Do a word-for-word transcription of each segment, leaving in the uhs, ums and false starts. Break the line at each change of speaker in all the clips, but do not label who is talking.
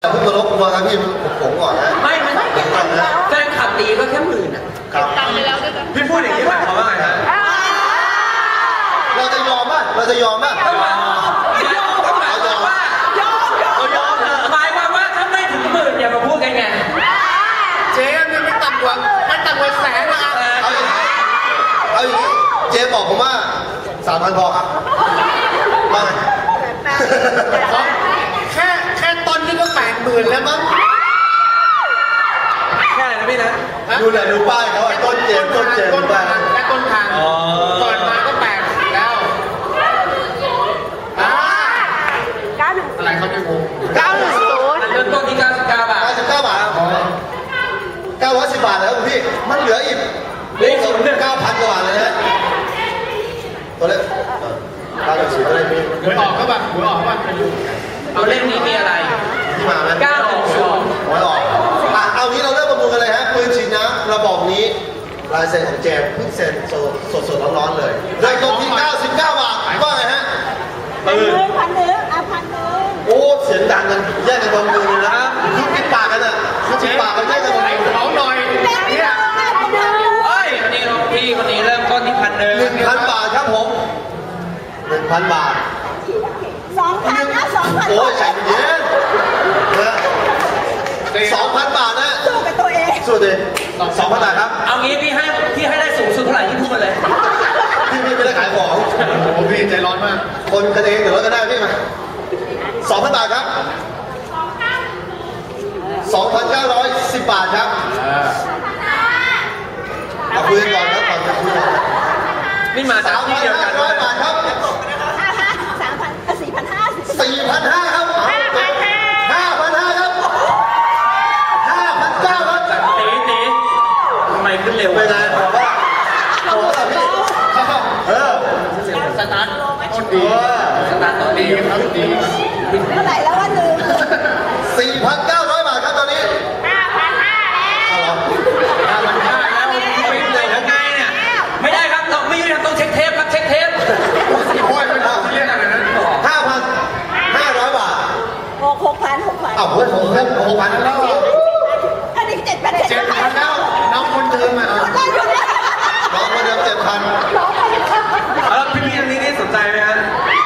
คุณตลกมาครับพี่ผมก่อนนะ
ไม่ไม่แฟนขับดีก็แค่หมื่นอ่ะตังไปแล้วด้วยกันพี่พูดอย่างนี้หมายความว่าไงฮะ
เราจะยอมป่ะเราจะยอมป่ะ
ยอมยอมหมายความว่ายอมยอมยอมหมายความว่าถ้าไม่ถึงหมื่นอย่ามาพูดกันไง
เจ๊เนี่ยไม่ต่ำกว่าไม่ต่ำกว่าแสนนะ
เอาอย่างนี้เอาอย่างนี้เจ๊บอกผมว่าสามพันพอครับมา
แค่แค่ตอนนี้ก็แปดหมื่นแล้วมั้ง
แค่ไหนนะพี่นะ
ดูแหละดูป้ายเขาต้นเจมต้นเจม
ต้นทางแค่ต้นทางเปิดมาก็แปดแล้วอะไรเขาจะงง
เก้าหนึ่งศูนย์
เริ่มต้นที่เก้าสิบเก้าบาท
เก้าสิบเก้าบาทเก้าร้อยสิบบาทแล้วพี่มันเหลืออีก
เหลืออีกศูนย์หนึ่ง
เก้าพันกว่าบาทเลยนะตัวเล็กเก้าหนึ่งศูนย์อะไรพี่
หวยออกก็แบบหวยออกว่าไปอยู่
เอาเล่มนี้มีอะไร
ที่มาไหม
เก้าหนึ่งศูนย์
หวยออกอ่ะเอางี้เราเริ่มประมูลกันเลยฮะปืนฉีดน้ำระบอกนี้ลายเซ็นของแจมเพิ่งเซ็นสดสดร้อนๆเลยเลยตรงที่เก้าสิบเก้าบาทว่าไงฮะ
พันหนึ่งพันหนึ่งอ่ะพันหนึ่ง
โอ้เสียงดังกันแยกกันบนมือเลยนะครับคือปิดปากกันอ่ะคือปิดปากกันแยกกันบนมือ
เขาหน่อยเนี่ย
เฮ้ยคนนี้พี่คนนี้เริ่มต้นที่พันหนึ่ง
หนึ่งพันบาทครับผมหนึ่งพันบาท
สองพันนะสองพัน
โอ้ยใจเย็นนะสองพันบาทนะ
สู้กับตัวเอง
สู้ดิสองพันบาทครับ
เอางี้พี่ให้พี่ให้ได้สูงสุดเท่าไหร่ที่พูดมาเลย
พี่พี่ไม่ได้ขายของ
โอ้พี่ใจร้อนมาก
คนกันเองเดี๋ยวเราก็ได้พี่มาสองพันบาทครับสองพันเก้าร้อยสิบบาทครับเอาคุยกันก่อนครับก่อนจะคุยกัน
นี่มาจากที่เดียวกัน
ร้อยบาทครับ
สามพันสี่พันห้า
สี่พันห้าครับห้าพันห้าครับห้าพันเก้าครับ
ตีตีทำไมขึ้นเร็ว
ไม่ได้บอกว่าบอกว่าพี่เออ
สตาร์ท
ต้นดี
สตาร์ทต้นดี
ครับดี
เท่าไหร่แล้ววันหนึ่ง
สี่พันเก้าร้อยบาทครับตอนนี้
ห้าพันห้าแล้ว
ห้าพันห้าแล้วไม่เลยยังไงเนี่ยไม่ได้ครับเราไม่ได้ต้องเช็คเทปครับเช็คเทป
โอ้ยไม่ทำเรื่องอะไรนั้น
ห้าพันห้าร้อยบาท
หกหกพันหกพัน
อ้าวเฮ้ยหกพันหกพันแล้ว
อันนี้เจ็ดพัน
เจ็ดพันแล้วน้องคนเดิมอ่ะ
น้องคนเดิมเจ็ดพัน
แล้วพี่พี่อันนี้นี่สนใจไหมฮะ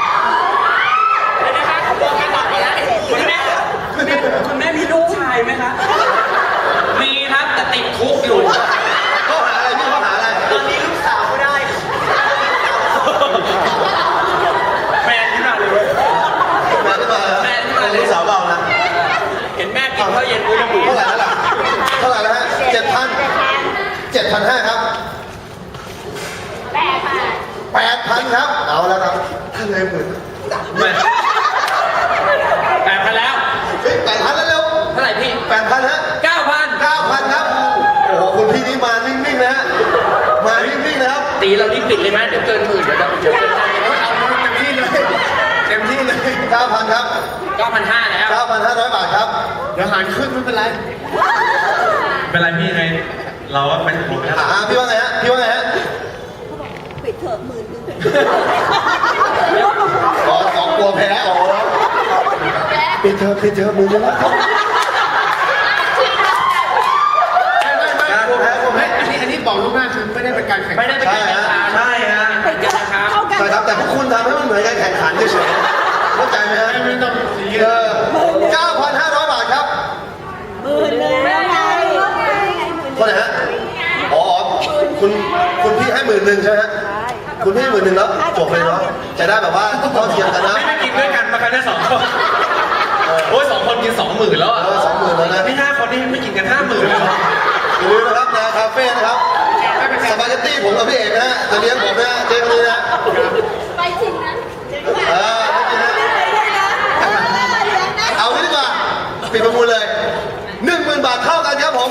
คุณแม่คุณแม่มีลูกชายไหมคะมีครับแต่ติดคุกอยู่
ข้อหาอะไรพี่ข้อหาอะไร
ตอนนี้ลูกสาวก็ได้แฟนที่มาเลย
แฟนที่มา
แฟนที่มาเลย
ลูกสาวเบานะ
เห็นแม่กินข้าวเย็นด้วยนะหมู
เท่าไหร่แล้วล่ะเท่าไหร่แล้วฮะเจ็ดพันเจ็ดพันห้าครับ
แปดพัน
แปดพันครับเอาแล้วครับท่านเลยหมื่น
แปดพันแล้ว
แปดพันแล้วเร็ว
เท่าไหร่พี่
แปดพันฮะ
เก้าพัน
เก้าพันครับโอ้โหคุณพี่นี่มานิ่งๆนะฮะมานิ่งๆนะครับ
ตีเรานี่ปิดเลยไหมเดี๋ยวเกินหมื่นเดี๋ยวเดี๋ยวเกิน
เอาเต็มที่เลยเต็มที่เลย
เก้าพันครับ
เก้าพันห้าแล้ว
เก้าพันห้าร้อยบาทครับ
เดี๋ยวหารขึ้นไม่เป็นไร
เป็นไรพี่ไงเราก็เป็นคน
อ่าพี่ว่าไงฮะพี่ว่าไงฮะ
ปิดเถอะหมื่นนึง
อ๋อสองกลัวแพ้อ๋อปิดเถอะปิดเถอะหมื่นนึงแล้ว
อันนี้อันนี้บอกลูกหน้าคือไม่ได้เป็นการแข่ง
ไม่ได้เป็นการแข่งขันใช่ฮะเป็นการแข่งขัน
ใช่ครับแต่พวกคุณทำให้มันเหมือนการแข่งขันเฉยๆเข้าใจไหมฮะ
ไม่ต้องสี
เออเก้าพันห้าร้อยบาทครับ
หมื่นนึงแล้วไง
คนไหนฮะอ๋อคุณคุณพี่ให้หมื่นหนึ่งใช่ไหมฮะคุณพี่หมื่นหนึ่งแล้วจบเลยเนาะจะได้แบบว่าเท่าเทียมกันนะ
ไม่ได้กินด้วยกันมากันได้สองคนโอ้ยสองคนกินสองหมื่นแล้วอ่ะ
สองหมื่นแล้วนะ
นี่ห้าคนนี่ไม่กินกันห้าหมื่นเลย
อย่าลืมนะครับนาคาเฟ่นะครับสปาเกตตี้ผมกับพี่เอกนะจะเลี้ยงผมนะเจ๊คนนี้นะ
ไปจริงนะ
เออเอาไว้ดีกว่าปิดประมูลเลยหนึ่งหมื่นบาทเท่ากันครับผม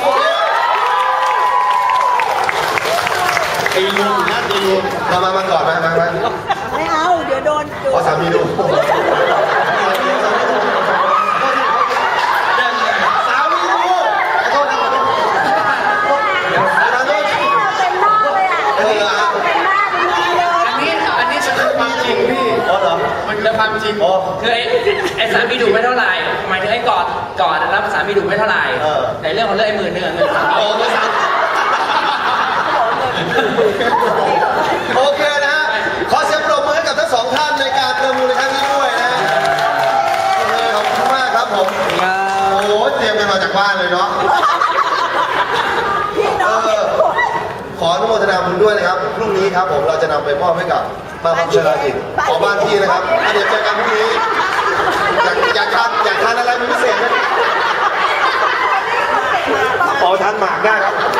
ตีลูกนะตีลูกมามามาก่อนมามามา
ไม่เอาเดี๋ยวโดน
ขอสามีดูสามีดูขอโทษนะ
เป็นหน้าเลยอ่ะเป็นหน้าเป็นหน้าเลย
อันนี้อันนี้จะเป็นความจริงพี่
อ๋อเหรอ
มันจะความจริง
อ๋อ
คือไอ้ไอ้สามีดุไม่เท่าไหร่หมายถึงไอ้กอดกอดรับสามีดุไม่เท่าไหร่แต่เรื่องของเรื่องไอ้หมื่นหนึ่งอะเงินสามี
โอ้โหสามโอเคนะฮะขอเสียงปรบมือให้กับทั้งสองท่านในการประมูลในครั้งนี้ด้วยนะโอเคขอบคุณมากครับผมโอ้โหเตรียมกันมาจากบ้านเลยเนาะ เออขออนุโมทนาบุญด้วยนะครับ พรุ่งนี้ครับผมเราจะนำไปมอบให้กับบ้านพักชรากิจขอบ้านพี่นะครับอ่ะเดี๋ยวเจอกันพรุ่งนี้ อยากอยากทานอยากทานอะไรเป็นพิเศษไหมขอทานหมากได้ครับ